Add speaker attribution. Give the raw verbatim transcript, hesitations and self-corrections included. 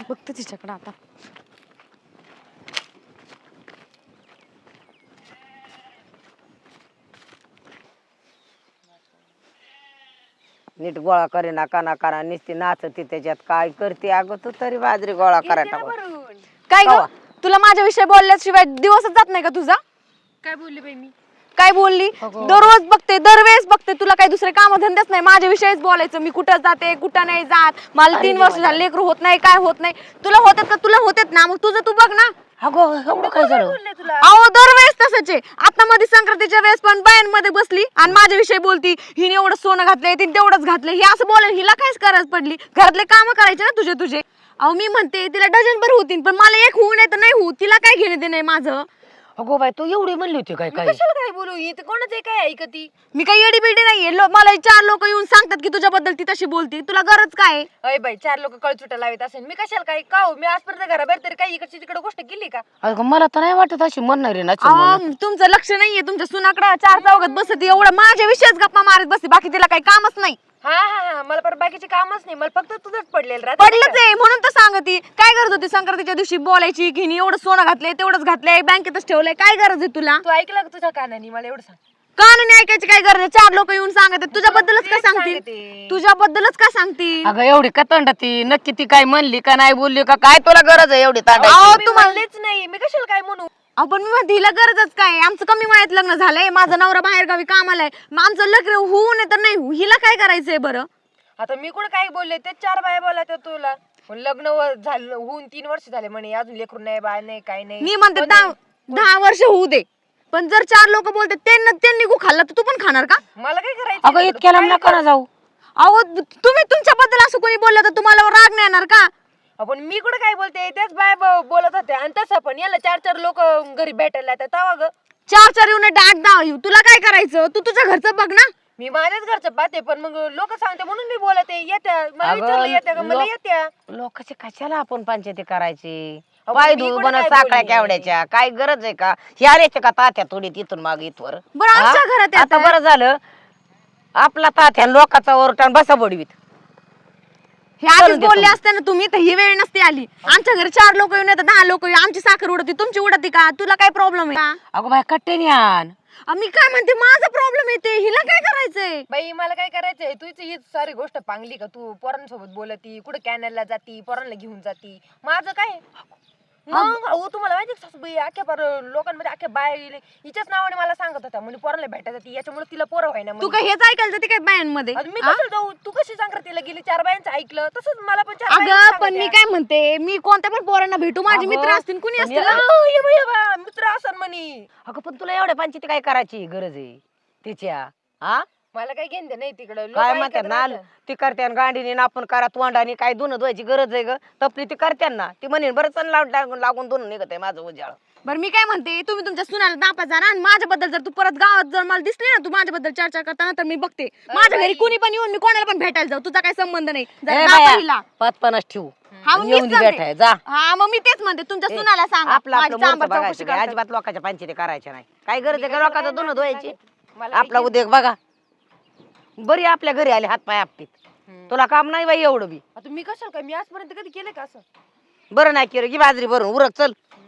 Speaker 1: बघते तिच्याकडे आता.
Speaker 2: नीट गोळा करे ना काना काना नुसती नाचती त्याच्यात काय करते अगं तू तरी बाजरी गोळा करायला
Speaker 1: काय ग तुला माझ्याविषयी बोलल्याशिवाय दिवसच जात नाही का तुझा?
Speaker 3: काय बोलली बाई मी?
Speaker 1: काय बोलली? दररोज बघते दरवेळेस बघते तुला काही दुसरे काम धंदेच नाही माझ्याविषयीच बोलायचं. मी कुठं जाते कुठं नाही जात, मला तीन वर्ष झाले लेकरू होत नाही काय होत नाही. तुला होतात का? तुला होतात ना, मग तुझं तू बघ ना.
Speaker 2: अगं काय झालं?
Speaker 1: अहो दरवेळेस तसंच आहे. आता मध्ये संक्रांतीच्या वेळेस पण बायांमध्ये बसली आणि माझ्याविषयी बोलती, हिने एवढं सोनं घातलंय तिने तेवढंच घातलंय. हे असं बोलाय हिला कायच गरज पडली? घरातले काम करायचे ना तुझे तुझे. अहो मी म्हणते तिला डझन भर होतील पण मला एक होऊ नाही तर नाही होऊ, तिला काय घेणे ते नाही माझं.
Speaker 2: अगो बाई तू एवढी म्हणली होती काय काय?
Speaker 3: कशाला काय बोलू? ही कोणाचं काय ऐकती?
Speaker 1: मी काही येडी बिडी नाहीये. मला चार लोक येऊन सांगतात की तुझ्याबद्दल ती तशी बोलती. तुला गरज काय?
Speaker 3: अय बाई चार लोक कळचुटा लावत असेल, मी कशाला काय का हो? मी आजपर्यंत घराबाहेर तरी काही इकडची तिकडे गोष्ट केली का?
Speaker 2: अगं मला तर नाही वाटत अशी म्हणणार आहे ना.
Speaker 1: अहो, तुमचं लक्ष नाहीये तुमच्या सुनाकडे. चार चौघात बसती एवढं माझ्याविषयीच गप्पा मारत बसते, बाकी तिला काही कामच नाही.
Speaker 3: हा हा हा मला पर बाकीचे कामच नाही, मला फक्त तुझंच पडलेलं राहत.
Speaker 1: पडलंच आहे म्हणून तर सांगती. काय गरज होती संक्रांतीच्या दिवशी बोलायची की हिने एवढं सोनं घातलंय तेवढंच घातलंय बँकेतच ठेवलंय? काय गरज आहे तुला?
Speaker 3: तू ऐकलं का तुझ्या कानाने? मला एवढं सांग.
Speaker 1: कानाने ऐकायची काय गरज आहे? चार लोक येऊन सांगतात तुझ्याबद्दलच काय सांगतील?
Speaker 3: सांगते.
Speaker 1: तुझ्याबद्दलच काय सांगतील?
Speaker 2: अगं एवढी का तंड ती नक्की ती काय म्हणली का नाही बोलली का काय? तुला गरज आहे एवढी तांडायची?
Speaker 1: अहो,
Speaker 3: मी
Speaker 1: तुम्हाला
Speaker 3: म्हणलेच नाही, मी कशाला काय म्हणू?
Speaker 1: आपण मी म्हणते हिला गरजच काय? आमचं कमी वयात लग्न झालंय, माझा नवरा बाहेर गावी कामाला आहे, मग आमचं लग्न होऊ नये तर नाही होऊ, हिला काय करायचंय बरं?
Speaker 3: आता मी कुठं काय बोलले? ते चार बाया बोलत तुला पण लग्न व- झालं होऊन तीन वर्ष झाले म्हणे, अजून लेकरू नाही बाय नाही काय नाही.
Speaker 1: मी म्हणते
Speaker 3: पण
Speaker 1: दहा दहा वर्ष होऊ दे, पण जर चार लोक बोलते त्यांना त्यांनी गु खाल्ला तर तू पण खाणार का?
Speaker 3: मला काय करायचं?
Speaker 2: अगं इतक्या लांब नका ना जाऊ.
Speaker 1: अहो तुम्ही तुमच्याबद्दल असं कोणी बोललं तर तुम्हाला राग नाही येणार का?
Speaker 3: आपण मी कुठं काय बोलते? त्याच बाया ब- बोलत होते. आणि तसं पण याला चार चार लोक घरी भेटायला येतात तेव्हा ग
Speaker 1: चार चार येऊन आठ दहा येऊ, तुला काय करायचं? तू तुझ्या घरचं बघ ना.
Speaker 3: मी माझ्याच घरचं पाहते, पण मग लोक सांगते म्हणून मी बोलते. येत्या मला विचारलं येत्या का? मला
Speaker 2: लोक-
Speaker 3: येत्या.
Speaker 2: लोकांचे कशाला आपण पंचायती करायची?
Speaker 3: अगं,
Speaker 2: पाय
Speaker 3: मी
Speaker 2: धुवून
Speaker 3: कुठं
Speaker 2: बनत
Speaker 3: काय
Speaker 2: साखळ्या
Speaker 3: बोलली?
Speaker 2: केवड्याच्या काय गरज आहे का? ह्या रेच्या का तात्या थोडी तिथून माग इथवर?
Speaker 1: बरं आमच्या
Speaker 2: हा?
Speaker 1: घरात
Speaker 2: आता
Speaker 1: येतात.
Speaker 2: बरं झालं आपला तात्या लोकाचा ओरटान बसा बडवीत.
Speaker 1: हे आधीच बोलले असते ना तुम्ही तर ही वेळ नसती आली. आमच्या घरी चार लोक येऊन येतात, दहा लोक येऊन, आमची साखर उडती तुमची उडती का? तुला काय प्रॉब्लेम आहे का?
Speaker 2: अगो बाय कट्टे आण.
Speaker 1: मी काय म्हणते माझा प्रॉब्लेम येते, हिला काय करायचंय?
Speaker 3: बाई मला काय करायचंय? तुझी ही सारी गोष्ट पांगली का? तू पोरांसोबत बोलती, कुठे कॅनलला जाती, पोरांना घेऊन जाती. माझं काय मग? अहो तुम्हाला माहिती का सासूबाई, अख्ख्या पर लोकांमध्ये अख्ख्या बाया गेले हिच्याच नावाने मला सांगत होत्या म्हणजे पोरांना भेटायला जाती, याच्यामुळे तिला पोरं व्हायना
Speaker 1: तू
Speaker 3: म्हणे.
Speaker 1: काय हेच ऐकायला जाते काय बायांमध्ये?
Speaker 3: आणि मी कसं जाऊ? तू कशी संक्रांतीला गेली चार बायांचं ऐकलं तसंच मला पण चार
Speaker 1: अगं
Speaker 3: बायांचं
Speaker 1: पण मी
Speaker 3: सांगत्या.
Speaker 1: काय म्हणते, मी कोणत्या पण पोरांना भेटू, माझे मित्र
Speaker 2: अगं,
Speaker 1: असतील कुणी
Speaker 2: पण
Speaker 1: असतील
Speaker 2: या-
Speaker 1: ना.
Speaker 3: अहो, ये बाई, ये बा, मित्र असं म्हणे.
Speaker 2: अगं पण तुला एवढ्या पंचायती काय करायची गरज आहे तिच्या? हा
Speaker 3: मला काय घेणं नाही तिकडं.
Speaker 2: काय म्हणतात ना ती करत्यान गांडीने ना आपण करा तोंडाने काय धुणं धुवायची गरज आहे ग? तपली ती करत्यान ना, ती म्हणेन बरं चण लागून लागून धुणं निघत आहे माझं उजाळ.
Speaker 1: बरं मी काय म्हणते, तुम्ही तुमच्या सुनाला दापा जाणार आणि माझ्याबद्दल जर तू परत गावात जर मला दिसली ना तू माझ्याबद्दल चर्चा करताना तर मी बघते. माझ्या घरी कुणी पण येऊन मी कोणाला पण भेटायला जाऊ, तुझा काही संबंध नाही. जरा
Speaker 2: ए
Speaker 1: दापा
Speaker 2: बाया,
Speaker 1: हिला.
Speaker 2: पाच पन्नास ठेवू
Speaker 1: हा, मग
Speaker 2: येऊन
Speaker 1: मीच
Speaker 2: दे
Speaker 1: सांगते.
Speaker 2: भेटाय जा.
Speaker 1: हा मग मी तेच म्हणते तुमच्या
Speaker 2: ए,
Speaker 1: सुनाला सांग
Speaker 2: आपलं आपलं मोरचं बघायचं काय, अजिबात लोकांच्या पंचायती करायच्या नाही. काय गरज आहे का लोकांचं धुणं धुवायची?
Speaker 3: मला
Speaker 2: आपला उद्योग बघा. बरी आपल्या घरी आले हात पाय आपटीत. तुला काम नाही बाई एवढं बी.
Speaker 3: आता मी कशाला काय? मी आजपर्यंत कधी केलं का असं?
Speaker 2: बरं नाही केलं की बाजरी भरून उरक चल.